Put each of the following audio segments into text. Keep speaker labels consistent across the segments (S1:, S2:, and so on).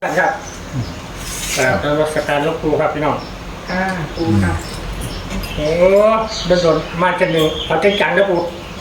S1: ครับแล้วก็สการลูกครูครับพี่น้อง
S2: ครูค่ะ
S1: โอ้โดนมาจะหนึ่งเขาจะจังแล้วครู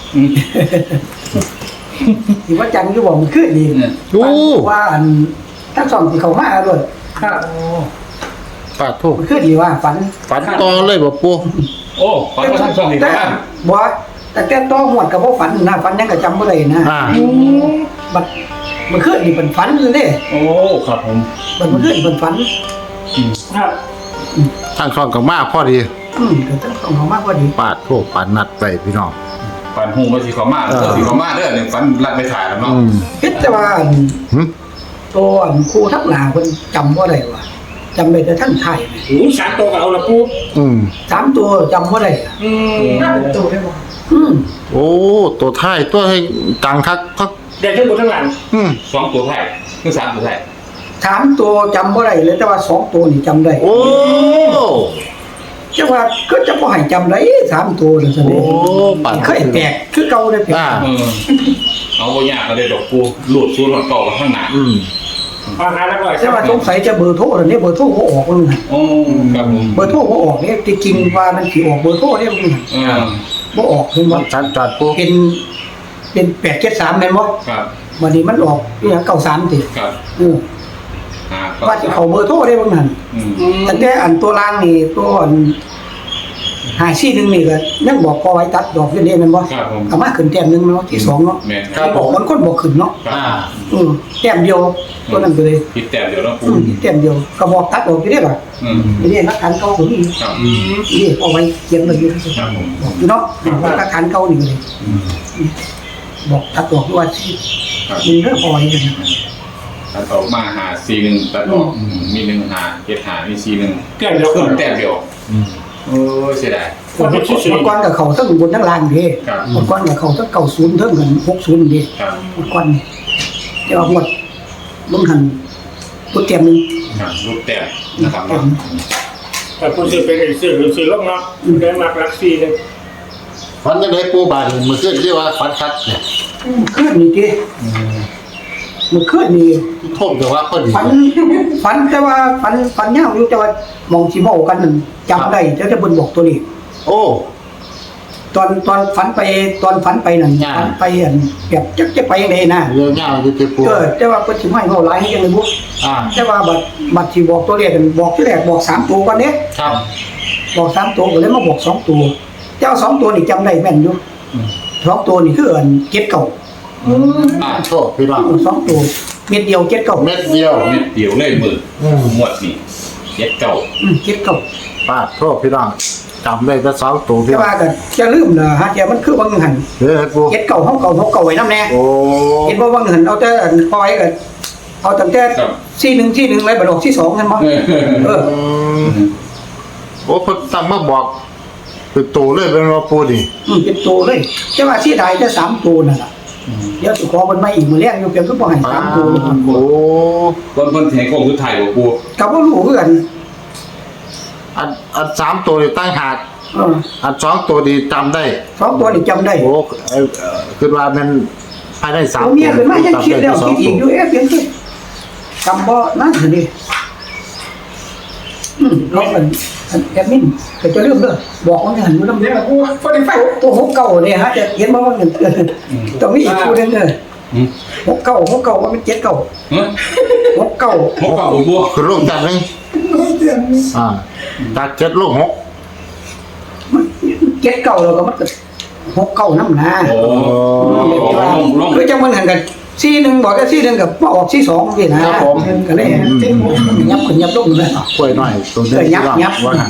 S2: สิว่าจังอยู่บ่มันขึ้นดีว่าอันทั้งสองที่เขามาด้วย
S1: ครับ
S3: ปาดทุก
S2: มันขึ้นดีว่าฝัน
S3: ต่อเลยบ่ปู่
S4: โอ้ฝันว่าทั้งสองที่บ้าน
S2: บ่แต่แกต่อหวดกับบ่ฝันนะฝันยังก็จำบ่ได้นะบัดมันขึ้นนี่เป็นฝันเลยเด้
S4: โอ้ครับผม
S2: มันขึ้นเป็นฝัน
S1: ครับ
S3: ทางช่องก็มาพอดี
S2: ก็ทั้งสองเขามากกว่าดี
S3: ปาดทุกปาดนัดไปพี่น้อง
S4: ฝันหูว่าสิเขามาสิเขามาเด้อเนี่ยฝันรัดไปถ่ายแล้วเนาะ
S2: คิดแต่ว่าตัวครูทักหลาเพิ่นจำบ่ได้ว่าจำได้แต่ท่านไทย
S1: โอ้3 ตัวก็เอาละครู
S2: 3 ตัวจำบ่ได้
S1: ตัวได้บ่
S3: โอ้ตัวท้ายตัวให้ตังคัก
S1: เดี๋ยวทั้งหมดทั้งหลัง
S4: 2 ตัวไทยคือ3 ตัวไทย
S2: 3 ตัวจำบ่ได้เลยแต่ว่า2 ตัวนี่จำได้
S3: โอ้
S2: จังว่าก็จะบ่ให้จำได้3 ตัวนั่นซั่นเด้เคยแตกคือเก่าได้แตก
S4: เอาบ่ยากก็ได้ดอกกูหลุดซูนหลอดต่อข้างหน้า
S1: อาหารอร่อย
S2: แต่ว่าสงสัยจะเบอร์โทรนี่เบอร์โทรบ่ออกมัน
S4: โอ้ครับผม
S2: เบอร์โทรบ่ออกนี่ที่จริงว่ามันสิออกเบอร์โทรนี่มันบ่ออกเห็นบ่
S3: ชัดจัดปู่
S2: เป็น873แม่นบ่
S4: ครับ
S2: วันนี้มันออกอีหยัง93ติ
S4: ครับ
S2: ว่าสิเข้าเบอร์โทรได้บ่นั่นแต่อันตัวล่างนี่ตัวอัน541นี่ก็ยังบอกพอไว้ตัดดอกอยู่นี่แม่นบ่เอามาขึ้นแต้มนึงเนาะที่2เนาะครับบอกมันคนบ่ขึ้นเนาะแต้มเดียวตัวนั้นไปเลย
S4: ผิดแต้มเดียวเนาะปู่
S2: ผิดแต้มเดียวก็บอกตัดออกอยู่เด้ล่ะนี่นักขันเก่าผมนี่เอาไว้เขียนไว้อยู่
S4: ครับผม
S2: บอกอยู่เนาะนักขันเก่านี่เลยบอกตัดออกว่าสิมันเรื่องพอไว้กัน
S4: ตัดออกมา541ตัดออกมี1 5 7 5มี41
S1: แต้มเดียว
S4: ขึ้นแต้มเดียวโอ้เสียดาย
S2: ก่อนกับเขาทั้งบนทั้งล่างเด้ก่อนกับเขาทั้ง90ทั้งกัน60เด้ก่อนแต่ว่าหมดลงหันตัวเต็มนึง
S4: รูปแต้มนะครับเนาะ
S1: แต่คุณสิเป็นสิลงเนาะได้มากรักซีเลย
S3: ฝันจังได๋ปู่บาดมื้อคืนที่ว่าฝันคักเนี่ย
S2: คืนนี่ติมื้อคืนนี่
S3: ท่มแต่ว่าเพิ่น
S2: ฝันแต่ว่าฝันยาวอยู่แต่ว่ามองสิเว้ากันนั่นจำได้แต่เพิ่นบอกตัวนี้
S3: โอ้
S2: ตอนฝันไปนั่นฝันไปอันแบบจะไปจังได๋นะ
S3: เรื่องยาวอยู่ที่ปู่
S2: แต่ว่าเพิ่นสิให้เว้าหลายให้จังได๋บ่แต่ว่าบัดที่บอกตัวเลขกันบอกที่แรกบอก3ตัวก่อนเด้
S3: ครับ
S2: บอก3ตัวก็เลยมาบอก2ตัวเจ้า2ตัวนี่จำได้แม่นอยู่2ตัวนี่คืออันเก็ดเก่า
S3: โชคพี่น้อง
S2: 2ตัวเม็ดเดียวเก็ดเก่า
S3: เม็ดเดียว
S4: เลยมือหมดนี่เก็ดเก่า
S3: ปาดโชคพี่น้องจำได้แต่2ตัว
S2: แต่ว่าก็จะลืมนะฮะแต่มันคือบางหันเก็ดเก่าเฮาเก่าไว้นำแน่เห็นบ่บางหันเอาแต่ปล่อยก็เอาตั้งแต่41ไว้บ่ดอกที่2นั่นบ่
S3: โอ้เพิ่นตั้งมาบอกเป็นตัวเลยเป็นว่าปู่นี่
S2: เป็นตัวเลยแต่ว่าสิได้แต่3ตัวนั่นล่ะเดี๋ยวสิขอเพิ่นมาอีกมื้อแลงอยู่เพิ่นก็บ่ให้3ตัว
S3: โอ้
S4: เพิ่นสิให้โค้งสุดท้ายบ่ปู่
S2: ก็บ่รู้คือกัน
S3: อัน3ตัวนี่ตั้งหากอัน2ตัวนี่จำได้
S2: 2ตัวนี่จำได้
S3: โอ้คือว่ามันภายใน3ตัว
S2: เมียขึ้นมายังคิดแล้วคิดอีกอยู่เปลี่ยนสิจำบ่นั่นสิดิเราเป็นแอดมินก็จะลืมเด้อบอกว่าหันอยู่นำเด้อกูบ่ได้ไฟตัว69เนี่ยฮะจะเห็นบ่ว่าเงินต้องมีอีกคู่นึงเด้อ69ว่ามัน7969
S4: บ่
S3: คือลงจัดนึงตัด7ลง6
S2: 79แล้วก็มันก็69นำนะคือจังมันหันกัน41บอกก็41กับบ่ออก42นี่นะครับผมก็เลยยับขึ้นยับลงเลย
S3: กล้วยน้อยตัวเดียว
S2: ยับว่าหั่น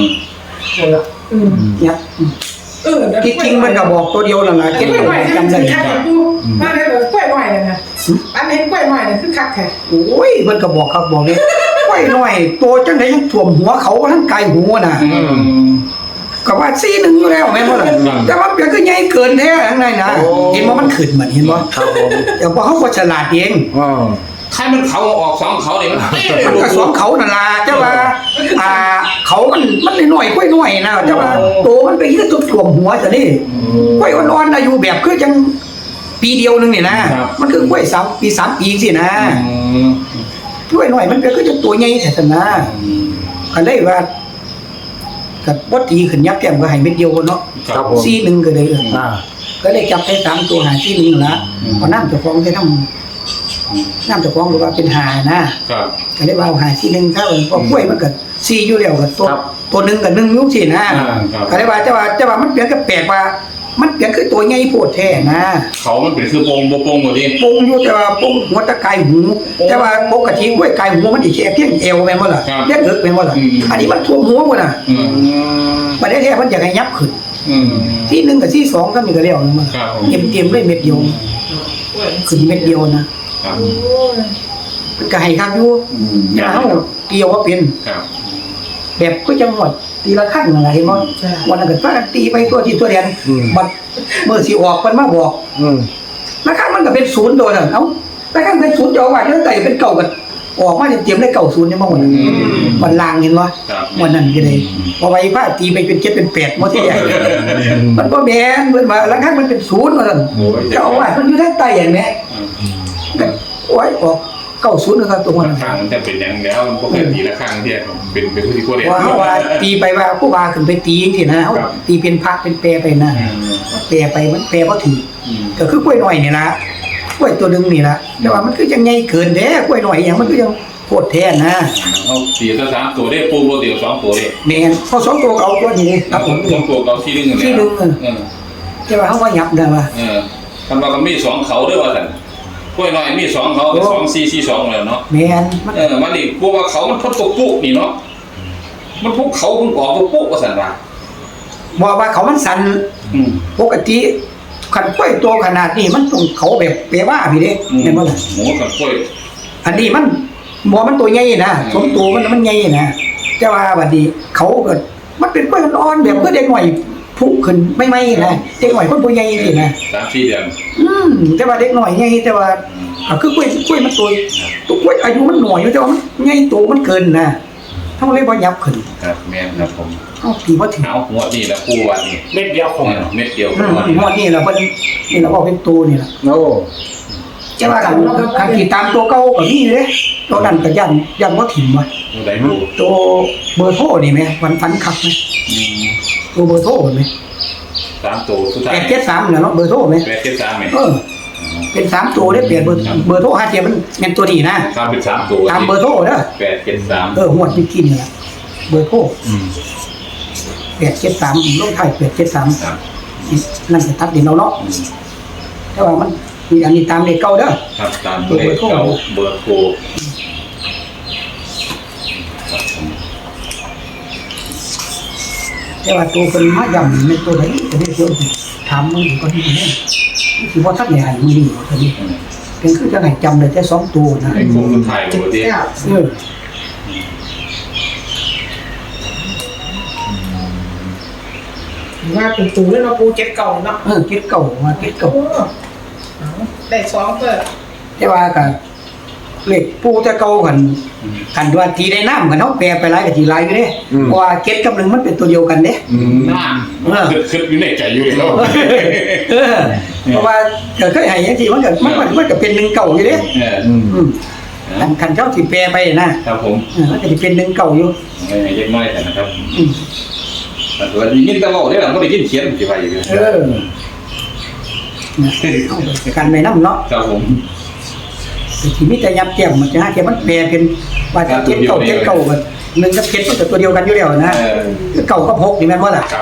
S2: ยับจริงๆมันก็บอกตัวเดียวนั่นล่ะเก็บไว้จำได้
S5: มาได้กล้วยน้อยนั่นน่ะอันนี้กล้วยน้อยนี่คือคักแท้
S2: โอ้ยมันก็บอกครับบอกนี่กล้วยน้อยโตจังได๋ยังท่วมหัวเขาทั้งกายหัวน่ะก็ว่า41อยู่แล้วแม่นบ่ล่ะแต่ว่าเปียคือใหญ่เกินแท้ข้างในนะเห็นบ่มันขึ้นมันเห็นบ่
S3: ครับผม
S2: แต่ว่าเฮาบ่ฉลาดเอง
S4: ใครมันเขาออก2เขานี่
S2: มันก็2เขานั่นล่ะแต่ว่าเขามันน้อยกล้วยน้อยนะแต่ว่าโตมันไปคือตุ่มหัวซะนี่กล้วยอ่อนๆอายุแบบคือจังปีเดียวนึงนี่นะมันคือกล้วย3 ปี 3 ปีสินะช่วยหน่อยมันก็คือจะตัวใหญ่แต่นะก็เลยว่าก็บ่ตีขึ้นยับแก้มก็ให้เม็ดเดียวเนาะ
S3: ครับผม
S2: ซีหนึงก็เลย ก็เลยจับได้3ตัวหาซีหนึงนั่นล่ะเอาน้ำเจ้าของใส่น้ำเจ้าของก็ว่าเป็นหานะครับ ก็เลยว่าเอาหาซีหนึงถ้าเอิ้นพอกล้วยมันก็ซีอยู่แล้วก็ตัวหนึงก็1อยู่ซี่นะ
S4: ครับ
S2: ก็เลยว่าแต่ว่ามันเปลี่ยนก็แปลกว่ามันเปลี่ยนคือตัวใหญ่โพดแท้นะ
S4: เขามันเป็นคือโปงบ่โปงหมดดิ
S2: ปงอยู่แต่ว่าปงหัวตะไคร้หูแต่ว่าปกติกล้วยไก่หูมันสิแค่เพียงเอวแม่นบ่ล่ะเพียงเอิกแม่นบ่ล่ะอันนี้มันท่วมหัวพุ่นน่ะ
S4: อืม
S2: บัดนี้แท้มันอยากให้ยับขึ้น
S4: อืม
S2: ที่1กับที่2ก็มีก็แล้วมัน
S4: ครับผม
S2: เต็มๆเลยเม็ดเดียวคือเม็ดเดียวนะ
S4: ครับ
S2: มันก็ให้คักอยู่อย่าเฮาเกี่ยวว่าเป็น
S4: ครับ
S2: แบบก็จังหวัดตีละครั้งนั่นล่ะเห็นบ่วันนั้นก็พากันตีไปตัวที่ตัวเดียนบัดมื้อสิออกเพิ่นมาบอก ละครั้งมันก็เป็น0โดนเอ้าละครั้งเป็น0จะเอาไว้แล้วแต่เป็นเก่ากันออกมาเต็มๆได้เก่า0นี่บ่หมดมันลางเห็นบ่
S4: ครับ
S2: วันนั้นก็เลยพอไว้พาตีไปเป็น7เป็น8บ่ทีเดียวมันบ่แม่นเพิ่นว่าละครั้งมันเป็น0ว่าซั่นจะเอาไว้เพิ่นอยู่ทางใต้อย่างนี้ก็โอ้ยออก90นะครับตรงนั้น
S4: ข้างมันจะเป็นอย่างแล้วมันปกติละข้างที่เป็นผู้ที่โคเด
S2: ว่าตีไปว่าผู้ว่าขึ้นไปตีจังซี่นะเฮาตีเป็นพักเป็นแปรไปนะแปรไปมันแปรบ่ถือก็คือกล้วยน้อยนี่ล่ะกล้วยตัวนึงนี่ล่ะแต่ว่ามันคือจังใหญ่เกินเด้กล้วยน้อยหยังมันคือจังโคตรแท้นะ
S4: เอา4ตัว3ตัวได้ปูโบเดียว2ตัวได้
S2: แม่นพอ2ตัวเอาตัวนี้ครับผม
S4: 2ตัวเกาที่นึง
S2: ที่นึงแต่ว่าเฮาว่ายับได้ว่า
S4: คำว่าก็มี2เขาด้วยว่าซั่นกล้วยน้อยมี2เขาเป็น2 4 4 2แล้วเนาะ
S2: แม่นมัน
S4: มันนี่พวกว่าเขามันทดตัวปุ๊นี่เนาะมันพวกเขาเพิ่งออกตัวปุ๊ว่าซั่นว่า
S2: บอกว่าเขามันสั่นปกติคันกล้วยตัวขนาดนี้มันต้องเขาแบบเปรว่าพี่เด้เห็นบ่ล่ะ
S4: หมูกับกล้วย
S2: อันนี้มันบ่มันตัวใหญ่นะสมตัวมันใหญ่นะแต่ว่าบัดนี้เขาก็มันเป็นกล้วยอ่อนๆแบบเพื่อเด็กหน่อยพุขึ้นไม่นะเด็กหน่อยคนผู้ใหญ่สินะ
S4: 3-4 เดือน
S2: แต่ว่าเด็กหน่อยใหญ่แต่ว่าคือกล้วยมันตัวกล้วยอายุมันหน่อยอยู่แต่ว่ามันใหญ่โตมันเกินนะเฮาเลยบ่ยับขึ้น
S4: ครับแม่นครับผม
S2: เฮาตีบ่ถึง
S4: เอาหัวนี่แล้วปูวันนี่
S1: เม็ดเดียวคง
S4: เม็ดเดียว
S2: งวดนี้ล่ะเพิ่นนี่ล่ะบ่เป็นตัวนี่ล่ะ
S3: โอ้
S2: แต่ว่าคันที่ตามตัวเก่าก็มีเด้ตัวนั้นก็ยันบ่ถิ่มว่ะ
S4: ตัวใดปู
S2: ตัวเบอร์โทรนี่แม่ฝันคักไหมตัวเบอร์โทรไหม
S4: 3ตัวสุดท้าย
S2: 873น่ะเนาะเบอร์โทรไหม
S4: 873แม่
S2: เป็น3ตัวได้เปลี่ยนเบอร์โทร5เทียมันแม่นตัวนี้นะ
S4: 3เป็น3ตัว
S2: ตามเบอร์โทรเด้อ
S4: 873
S2: หวดที่กินนี่ล่ะเบอร์โทร873ลงท้าย873
S4: ครับ
S2: นั่นก็ตัดดินเอาเนาะแต่ว่ามันมีอันนี้ตามเลขเก่าเด้อ
S4: ครับตามเลขเก่าเบอร์โทรครับผม
S2: แต่ว่าตัวเพิ่นมาย่ำในตัวไหนจะได้เพิ่นถามมึงก็ที่นี่สิบ่ทักได้ให้มื้อนี้ตัวนี้เป็นคือจังให้จำได้แต่2ตัวนะ
S4: ไอ้โค้งสุดท้ายตัวที่
S5: ว่าเป็นตูแล้วเนาะปูเจ็ดเก่าเนาะ
S2: เก็ดเก่ามาเก็ดเก่า
S5: ได้2เปิด
S2: แต่ว่าก็เลขปูแต่เก่ากันว่าทีได้น้ำกันเนาะแปลไปหลายก็ทีหลายอยู่เด้เพราะว่าเก็ดกับ1มันเป็นตัวเดียวกันเด้
S4: หน้าคิดอยู่ในใจอยู่แล้ว
S2: เพราะว่าก็เคยให้จังซี่มันก็เป็น1เก่าอยู่เด้คันเจ้าสิแปลไปนะครับ
S4: ผม
S2: มันก็สิเป็น1เก่าอยู่
S4: ไม่เล็กน้อยแต่นะครับแต่ว่ายินตะบอกได้หลังก็ได้ยินเขียนสิไปอยู่
S2: การไม่นำเนาะ
S4: ครับผม
S2: สิมีแต่ยับแก้มมันจะหาแก้มมันแปลเป็นว่าจะเก็ดเก่ากัน1กับ7มันก็ตัวเดียวกันอยู่แล้วนะคือเก่ากับ6นี่แม่นบ่ล่ะ
S4: ครับ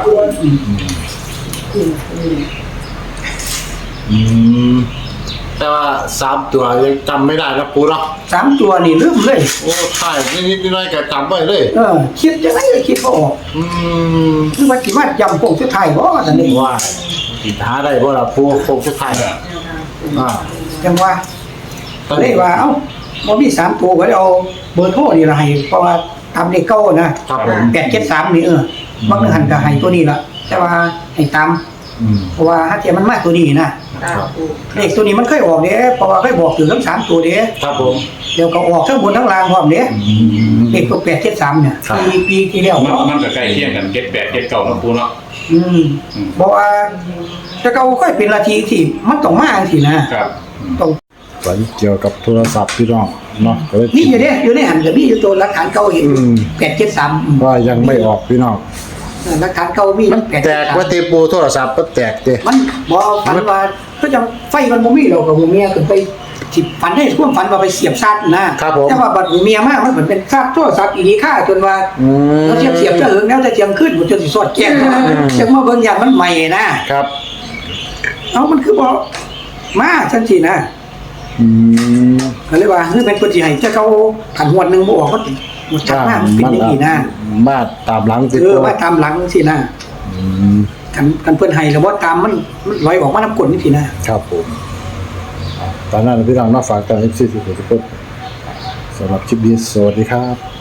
S3: แต่ว่า3ตัวยังจำไม่ได้นะปูเนาะ
S2: 3ตัวนี่ลืมเลย
S3: โอ้ถ่ายนิดๆหน่อยๆก็จำไว้เลย
S2: คิดจังได๋ก็คิดบ่ออกคือว่าสิมาจำพวกสุดท้ายบ่ซั่นนี่
S3: ว่าสิหาได้บ่ล่ะปูโคงสุดท้ายอ่า
S2: จังว่าเลยว่าเอ้าบ่มี3ตัวก็เลยเอาเบอร์โทรนี่ล่ะให้เพราะว่าตามเลขเก่านะครับ
S3: ผม
S2: 873นี่บางนึงหันก็ให้ตัวนี้ล่ะแต่ว่าให้ตามเพราะว่าถ้าเทียมันมาตัวนี้นะเลขตัวนี้มันเคยออกเด้เพราะว่าเคยบอกถึงทั้ง3ตัวเด้
S3: ครับผม
S2: เดี๋ยวก็ออกทั้งบนทั้งล่างพร้อมเด้เลขตัว873เนี่ยปีที่แล้ว
S4: มันก็ใกล้เคียงกัน7 8 7 9นะปูเนาะ
S2: เพราะว่าแต่เก่าค่อยเป็นนาทีที่มันต้องมาจังซี่นะครับต้อง
S6: ฝันเกี่ยวกับโทรศัพท์พี่น้องเนาะก็เลย
S2: นี่อยู่เนี่ยอยู่ในหันกับนี่อยู่ตัวหลักฐานเก่าเห็น 873
S6: ว่ายังไม่ออกพี่น้อง
S2: หลักฐานเก่ามี
S3: มันแตกว่าตีปูโทรศัพท์มันแตกเด้
S2: มันบ่ฝันว่าก็จังไฟมันบ่มีเรากับหมู่เมียขึ้นไปสิฝันได้ความฝันว่าไปเสียบชาร์จนะครับ
S3: ผม
S2: แต่ว่าบัดหมู่เมียมามันเหมือนเป็นชาร์จโทรศัพท์อีนี่ค่าจนว่า เราเสียบจะหึงแล้วจะเจียงขึ้นมันจนสิสอดแก้งจังว่าเบิ่งอย่างมันใหม่นะครับ เอามันคือบ่มาจังซี่นะ
S6: อืม
S2: ก็เลยว่าคือเป็นคนที่ให้จะเขาขันหวดหนึงบ่ออกก็หมดชักมากมันเป็นอย่างนี้นะ
S6: มาตามหลังติ
S2: ว่าตามหลังสินะ
S6: อืม
S2: กันเพิ่นให้แล้วบ่ตามมันลอยออกมาน้ำกลนี่สินะครับ
S6: ผมตอนนั้นพี่น้องมาฝากกัน FC ทุกคนสำหรับคลิปนี้สวัสดีครับ